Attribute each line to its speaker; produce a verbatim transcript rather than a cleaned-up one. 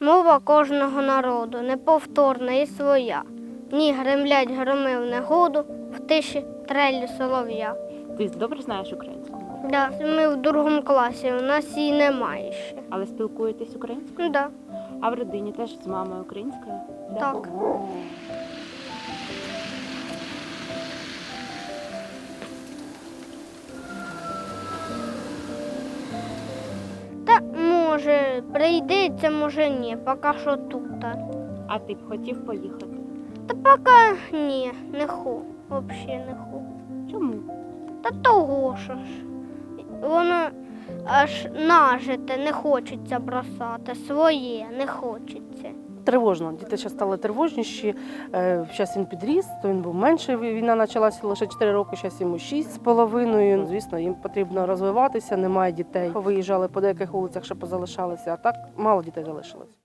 Speaker 1: Мова кожного народу неповторна і своя. Ні гремлять громи в негоду, в тиші трелі солов'я.
Speaker 2: Ти добре знаєш українську мову?
Speaker 1: Да, ми в другому класі, у нас її немає ще.
Speaker 2: Але спілкуєтесь українською?
Speaker 1: Да,
Speaker 2: А в родині теж з мамою українською? Да?
Speaker 1: так. Та може прийдеться, може ні, поки що тут.
Speaker 2: А ти б хотів поїхати?
Speaker 1: Та поки ні, не ху, взагалі не ху.
Speaker 2: Чому?
Speaker 1: Та того що ж. Воно аж нажите, не хочеться бросати, своє не хочеться.
Speaker 3: Тривожно. Діти ще стали тривожніші. Зараз він підріс, то він був менший. Війна почалася лише чотири роки, зараз йому шість з половиною. Звісно, їм потрібно розвиватися, немає дітей. Виїжджали по деяких вулицях, ще позалишалися, а так мало дітей залишилось.